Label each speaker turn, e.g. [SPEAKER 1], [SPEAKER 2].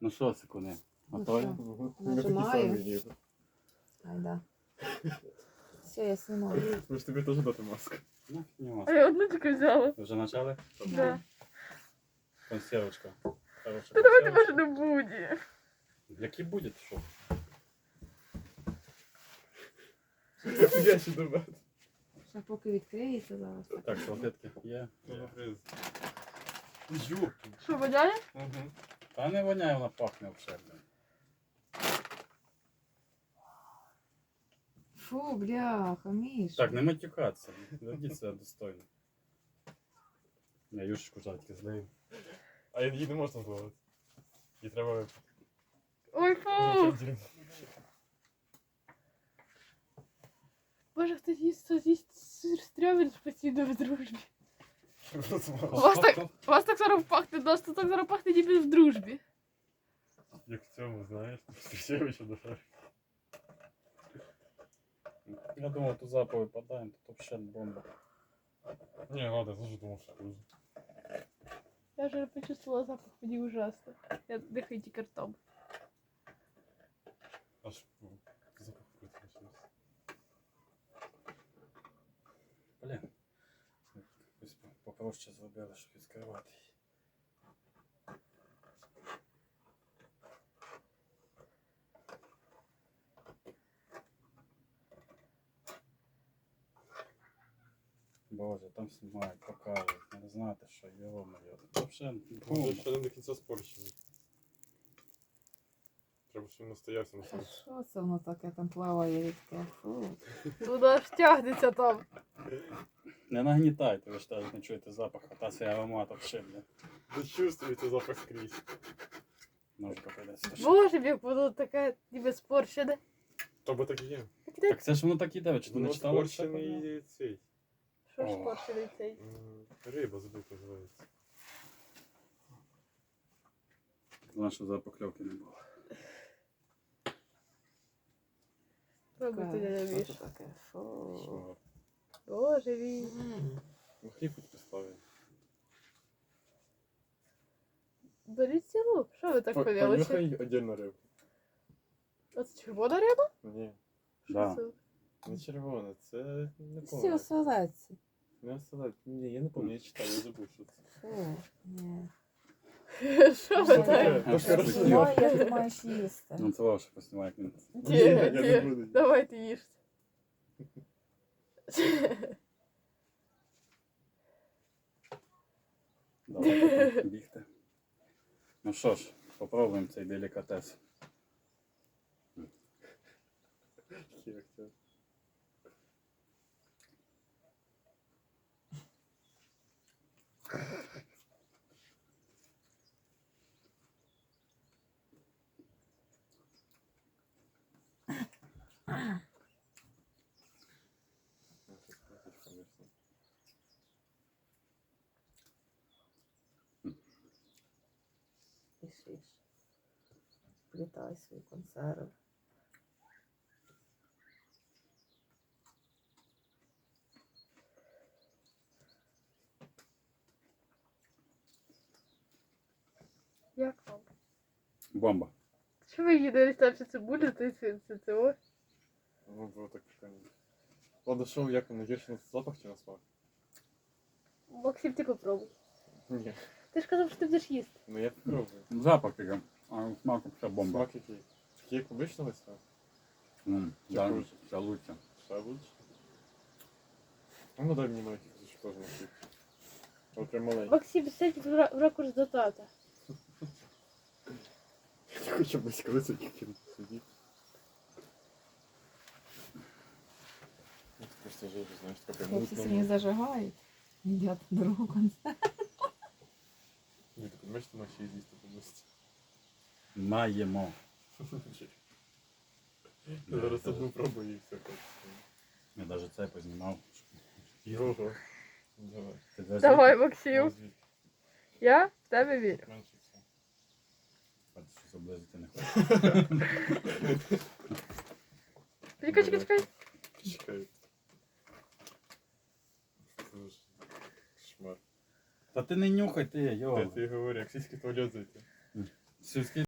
[SPEAKER 1] Ну що, секунди? Готові?
[SPEAKER 2] Нажимаю. Айда. Все, я снимаю.
[SPEAKER 3] Ви ж тобі теж дати маску.
[SPEAKER 1] Ну, не
[SPEAKER 4] А
[SPEAKER 1] маска.
[SPEAKER 4] я одну тільки взяла.
[SPEAKER 1] Вже почали?
[SPEAKER 4] Да.
[SPEAKER 1] Консервочка. Хороша
[SPEAKER 4] Та давайте
[SPEAKER 1] консервочка.
[SPEAKER 4] може не буде.
[SPEAKER 1] Які буде, що?
[SPEAKER 3] Я ще добавив.
[SPEAKER 2] Ще поки відкриється зараз.
[SPEAKER 1] Так, салфетки є.
[SPEAKER 3] Ю.
[SPEAKER 4] Що, воняє?
[SPEAKER 1] Та не воняє, вона пахне взагалі.
[SPEAKER 2] Фу, бляха, Міш.
[SPEAKER 1] Так, не матюкатися. Ведіть себе достойно. Я юшечку жадки злию.
[SPEAKER 3] А її не можна зловити. Її треба...
[SPEAKER 4] Ой, фу! Боже, хто з'їсть сир стрьомін постійно в дружбі. У вас так зараз пахне, нас тут так зараз пахне ніби в дружбі.
[SPEAKER 3] Як в цьому, знаєш, Стрічевича душа.
[SPEAKER 1] Я думав, тут запах випадаємо, тут взагалі бомба.
[SPEAKER 3] Ні, ладно, я теж думав, що хуже.
[SPEAKER 4] Я вже почувствувала запах, мені ужасно. Я дихаю тільки ртом.
[SPEAKER 3] Аж запах вкрутився.
[SPEAKER 1] Блін. Якось попроще зробили, щоб відкривати її. Боже, там знімають, показують, не знаєте, що його моє. Це взагалі
[SPEAKER 3] Може,
[SPEAKER 1] бомба.
[SPEAKER 3] ще не до кінця спорщений. Треба, щоб він настоявся на
[SPEAKER 2] Та
[SPEAKER 3] сонці.
[SPEAKER 2] що це воно таке там плаває рідке? Фу.
[SPEAKER 4] Воно ж тягнеться там.
[SPEAKER 1] Не нагнітайте, ви ж теж не чуєте запах, а та цей аромат взагалі, бля.
[SPEAKER 3] Ви чувствуєте запах скрізь.
[SPEAKER 1] Ножка прийдеться.
[SPEAKER 4] Боже, як воно таке ніби спорщене.
[SPEAKER 3] Тобто так і є.
[SPEAKER 1] Так це ж воно так іде, ви чи ти не
[SPEAKER 3] Воно
[SPEAKER 1] читала?
[SPEAKER 3] спорщений цей.
[SPEAKER 4] Що ж
[SPEAKER 1] О.
[SPEAKER 4] спорщений цей?
[SPEAKER 3] Риба забув називається.
[SPEAKER 1] Головне, щоб запакльовки не було.
[SPEAKER 4] Пробуйте, дядя
[SPEAKER 2] Що
[SPEAKER 4] Міш.
[SPEAKER 2] це таке? Фу.
[SPEAKER 3] Що?
[SPEAKER 4] Боже мій.
[SPEAKER 3] Ну хліб хоч поставив.
[SPEAKER 4] Беріть цілу. Що ви так повелися?
[SPEAKER 3] Понюхай отдельно рибу.
[SPEAKER 4] Оце червона риба?
[SPEAKER 3] Ні,
[SPEAKER 1] Да.
[SPEAKER 4] Що
[SPEAKER 3] не червона, це не
[SPEAKER 2] Всі
[SPEAKER 3] помню.
[SPEAKER 2] оселедці.
[SPEAKER 3] Не оселедець. Ні, я не пам'ятаю, я читав, я забув, що це.
[SPEAKER 2] Фу. Ні.
[SPEAKER 4] це? Що ви
[SPEAKER 3] Що
[SPEAKER 4] так?
[SPEAKER 3] таке?
[SPEAKER 1] А
[SPEAKER 3] То
[SPEAKER 1] що
[SPEAKER 3] хорошо.
[SPEAKER 1] таке?
[SPEAKER 2] Ну, як ти маєш їсти?
[SPEAKER 1] Ну це ваше поснімає, як він.
[SPEAKER 3] Ні, я не буду.
[SPEAKER 4] Давайте їжте.
[SPEAKER 1] Давайте там бігти. Ну що ж, попробуємо цей делікатес.
[SPEAKER 3] Як це?
[SPEAKER 2] Пишиш. Плітай свої консерви.
[SPEAKER 4] Як вам?
[SPEAKER 1] Бомба.
[SPEAKER 4] Що ви їдете там ще цибулю, це ось?
[SPEAKER 3] Ну, було так прикольно. Ладно, що, як воно, гірше на запах чи на смак?
[SPEAKER 4] Максим, ти попробуй.
[SPEAKER 3] Ні.
[SPEAKER 4] Ти ж казав, що ти будеш їсти.
[SPEAKER 3] Ну я попробую.
[SPEAKER 1] Запах такий, а смак все бомба.
[SPEAKER 3] Смак який? Такий як обичного смак?
[SPEAKER 1] Да,
[SPEAKER 3] Чи
[SPEAKER 1] це лучше.
[SPEAKER 3] Ще лучше? А ну дай мені маленький кусочок теж на хліб. От прям маленький.
[SPEAKER 4] Максим, сядь в ракурс до тата.
[SPEAKER 3] Я хочу близько високих сидіти. Ну, просто жижу, знаєш, така прям
[SPEAKER 2] Хлопці сьогодні
[SPEAKER 3] мутна.
[SPEAKER 2] зажигають. Їдять другу консерву.
[SPEAKER 3] Ні, ти розумієш, ти маєш її з'їсти повністю.
[SPEAKER 1] Маємо.
[SPEAKER 3] Я зараз одну пробую і все.
[SPEAKER 1] Я навіть це познімав.
[SPEAKER 3] Його. Давай.
[SPEAKER 1] Ти даже-
[SPEAKER 4] Давай, Максим.
[SPEAKER 3] Розвідь.
[SPEAKER 4] Я в тебе вірю.
[SPEAKER 3] Менше все.
[SPEAKER 1] Бачиш, що заблизити не хочу.
[SPEAKER 4] Чекай.
[SPEAKER 3] Чекай. Це ж шмар.
[SPEAKER 1] Та ти не нюхай ти, йо.
[SPEAKER 3] Ти говори, як сільський туалет зайти.
[SPEAKER 1] Сільський